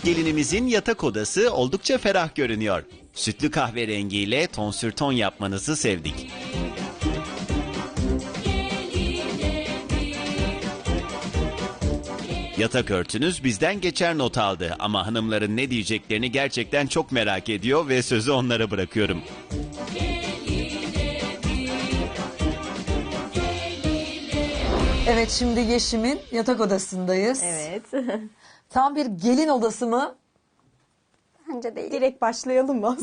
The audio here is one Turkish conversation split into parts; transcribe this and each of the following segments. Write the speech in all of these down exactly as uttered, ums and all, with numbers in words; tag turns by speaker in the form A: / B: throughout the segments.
A: Gelinimizin yatak odası oldukça ferah görünüyor. Sütlü kahverengiyle tonsür ton yapmanızı sevdik. Yatak örtünüz bizden geçer not aldı ama hanımların ne diyeceklerini gerçekten çok merak ediyor ve sözü onlara bırakıyorum.
B: Evet, şimdi Yeşim'in yatak odasındayız.
C: Evet.
B: Tam bir gelin odası mı?
D: Bence değil.
C: Direkt başlayalım mı?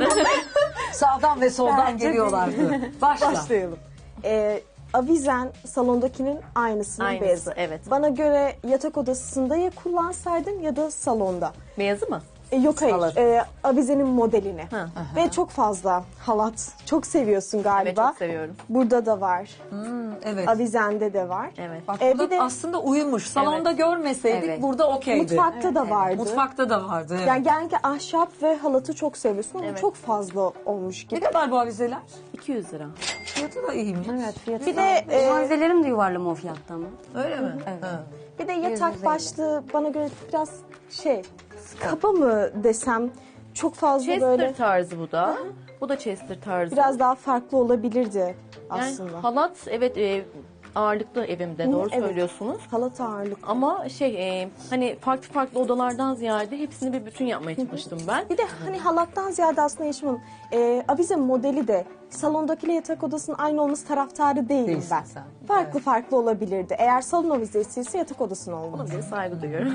B: Sağdan ve soldan
D: Bence
B: geliyorlardı. Başla.
C: Başlayalım. Ee, avizen salondakinin aynısının
E: Aynısı,
C: beyazı.
E: evet.
C: Bana göre yatak odasında ya kullansaydın ya da salonda.
E: Beyazı mı?
C: E, yok hayır,
E: Halat.
C: e, avizenin modelini.
E: Ha.
C: Ve çok fazla halat. Çok seviyorsun galiba.
E: Evet, çok seviyorum.
C: Burada da var.
B: Evet.
C: Avizende de var.
E: Evet.
B: Bak
C: Ee,
B: burada
C: bir de-
B: aslında uyumuş. Salonda
E: Evet.
B: görmeseydik
D: Evet.
B: burada okeydi.
C: Mutfakta da vardı.
B: Mutfakta da vardı. Evet.
C: Yani genellikle ahşap ve halatı çok seviyorsun ama
E: Evet.
C: çok fazla olmuş
B: Ne
C: gibi.
B: kadar bu avizeler?
E: iki yüz lira.
B: Fiyatı da iyiymiş.
D: Evet, fiyatı
C: Bir
D: da-
C: de, e,
D: malzemelerim de yuvarlama o fiyatta ama.
B: Öyle mi? Evet.
C: Bir de
D: yüz
C: yatak
D: elli.
C: başlığı bana göre biraz şey, kaba mı desem, çok fazla
E: Chester
C: böyle
E: tarzı bu da. Bu da Chester tarzı.
C: biraz daha farklı olabilirdi
E: yani
C: aslında.
E: halat evet e, ağırlıklı evimde, doğru
C: evet.
E: söylüyorsunuz.
C: Halat ağırlık.
E: Ama şey e, hani farklı farklı odalardan ziyade hepsini bir bütün yapmaya çalıştım ben.
C: Bir de hani halattan ziyade aslında Yeşim'in e, avize modeli de salondakiyle yatak odasının aynı olması taraftarı değilim
B: Değilsin
C: ben.
B: sen.
C: Farklı farklı olabilirdi. Eğer salon avizesi ise yatak odasının olmalı.
E: Bir saygı duyuyorum.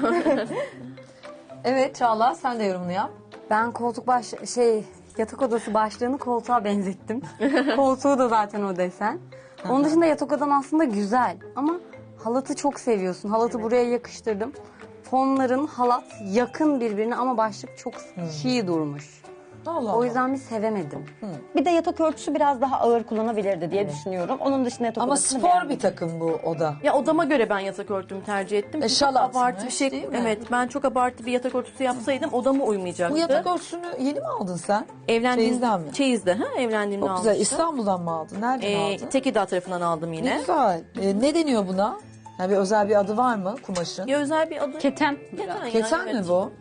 B: Evet Çağla, sen de yorumunu yap.
D: Ben koltuk baş şey yatak odası başlığını koltuğa benzettim. Koltuğu da zaten o desen. Onun dışında yatak odan aslında güzel ama halatı çok seviyorsun. Halatı buraya yakıştırdım. Fonların halat yakın birbirine ama başlık çok çiğ durmuş.
B: Allah
D: O yüzden bir sevemedim.
F: Bir de yatak örtüsü biraz daha ağır kullanabilirdi diye düşünüyorum. Onun dışında yatak
B: Ama
F: odasını
B: spor
F: beğendim.
B: bir takım bu oda.
E: Ya odama göre ben yatak örtümü tercih ettim.
B: E,
E: Çok
B: şalat
E: abartı
B: mı?
E: bir şey.
B: Değil mi?
E: Evet, ben çok abartı bir yatak örtüsü yapsaydım odama uymayacaktı.
B: Bu yatak örtüsünü yeni mi aldın sen?
E: Evlendiğim,
B: Çeyizden mi?
E: Çeyiz'de, ha, evlendiğimde
B: Çok güzel.
E: almıştım.
B: İstanbul'dan mı aldın? Nereden
E: Ee,
B: aldın?
E: Tekirdağ tarafından aldım
B: Ne
E: yine.
B: güzel. Ee, ne deniyor buna? Yani bir özel bir adı var mı kumaşın?
E: Ya özel bir adı.
F: Keten.
E: Keten, yani,
B: Keten mi
E: evet.
B: bu?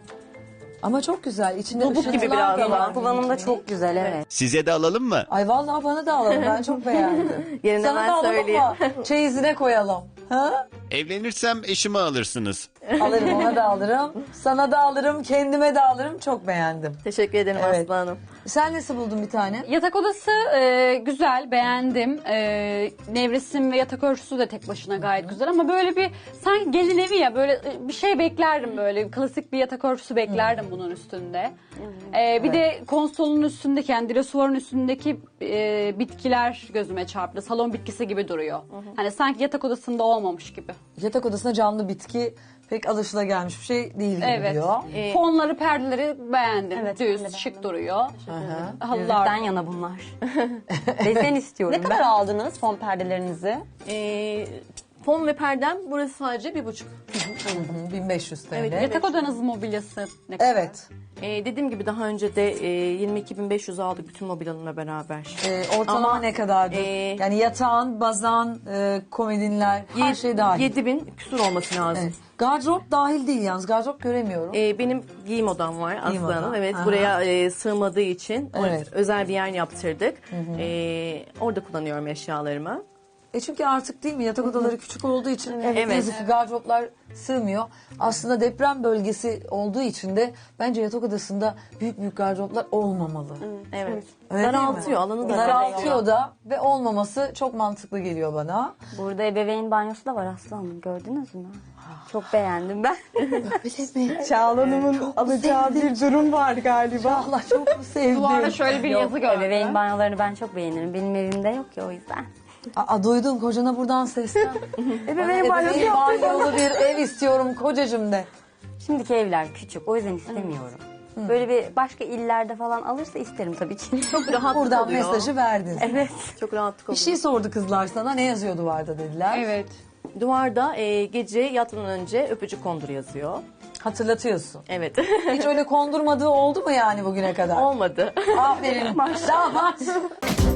B: Ama çok güzel. İçinde
E: Nubuk gibi
B: ışıltılar
E: biraz
B: da
E: ama.
B: var.
D: Kullanımda çok güzel, evet.
A: Size de alalım mı?
B: Ay vallahi bana da alalım. Ben çok beğendim.
E: Yerine
B: Sana
E: ben
B: da alalım
E: söyleyeyim.
B: mı? Çeyizine koyalım. Ha?
A: Evlenirsem eşimi alırsınız.
B: Alırım, ona da alırım. Sana da alırım, kendime de alırım. Çok beğendim.
E: Teşekkür ederim
B: Evet.
E: Aslı Hanım.
B: Sen nasıl buldun bir tane?
F: Yatak odası e, güzel, beğendim. E, nevresim ve yatak örtüsü de tek başına gayet güzel ama böyle bir sanki gelin evi ya böyle e, bir şey beklerdim böyle klasik bir yatak örtüsü beklerdim bunun üstünde. E, bir de konsolun üstündeki yani dresuarın üstündeki e, bitkiler gözüme çarptı. Salon bitkisi gibi duruyor. Hani sanki yatak odasında olmamış gibi.
B: Yatak odasına canlı bitki pek alışılagelmiş bir şey değil gibi
F: Evet.
B: diyor.
F: E, Fonları, perdeleri beğendim.
D: Evet, ben de
F: Düz,
D: beğendim.
F: şık duruyor.
D: Yüzükten
F: Halılar.
D: yana bunlar. Desen istiyorum
F: E, E, ben. Ne
D: ben.
F: kadar aldınız fon perdelerinizi?
E: Ee, fon ve perdem burası sadece bir buçuk.
B: Hı, bin beş yüz T L.
E: Evet,
F: Yatak odanızın mobilyası ne kadar?
B: Evet.
E: Ee, dediğim gibi daha önce de e, yirmi iki bin beş yüz aldık bütün mobilyalarımla beraber.
B: Ee, ortalama
E: Ama,
B: ne kadardı?
E: e,
B: yani yatağın, bazan, e, komodinler, her şey dahil.
E: yedi bin küsur olması lazım.
B: Evet. Gardırop dahil değil yalnız. Gardırop göremiyorum.
E: Ee, benim giyim odam var
B: Giyim
E: Aslı
B: odan,
E: Hanım. Evet,
B: aha.
E: buraya e, sığmadığı için o-
B: Evet.
E: özel bir yer yaptırdık. Ee, orada kullanıyorum eşyalarımı.
B: E çünkü artık değil mi yatak odaları küçük olduğu için
E: Evet.
B: ne yazık ki gardıroplar sığmıyor. Aslında deprem bölgesi olduğu için de bence yatak odasında büyük büyük gardıroplar olmamalı.
E: Evet.
B: Öyle değil mi?
E: Daraltıyor, alanı
B: Daraltıyor
E: daraltıyor.
B: da ve olmaması çok mantıklı geliyor bana.
D: Burada ebeveyn banyosu da var Aslanım. Gördünüz mü? Çok beğendim ben.
C: Çağla Hanım'ın alacağı bir durum var galiba.
B: Allah çok mu sevdim?
F: Duvarda şöyle bir yazı gördüm.
D: Ebeveyn banyolarını ben çok beğenirim. Benim evimde yok ya o yüzden.
B: Aa, duydum kocana buradan seslen.
D: Ebeveyn banyosu
B: Ebeveyn
D: yaptım.
B: banyolu bir ev istiyorum kocacığım de.
D: Şimdiki evler küçük. O yüzden istemiyorum. Böyle bir başka illerde falan alırsa isterim tabii ki.
E: Çok rahatlık
B: Buradan
E: oluyor.
B: mesajı verdin.
D: Evet.
E: Çok rahatlık
B: Bir
E: oluyor.
B: şey sordu kızlar sana. Ne yazıyor duvarda dediler.
F: Evet.
E: Duvarda e, gece yatmadan önce öpücük kondur yazıyor.
B: Hatırlatıyorsun.
E: Evet.
B: Hiç öyle kondurmadığı oldu mu yani bugüne kadar?
E: Olmadı.
B: Aferin. Maşallah.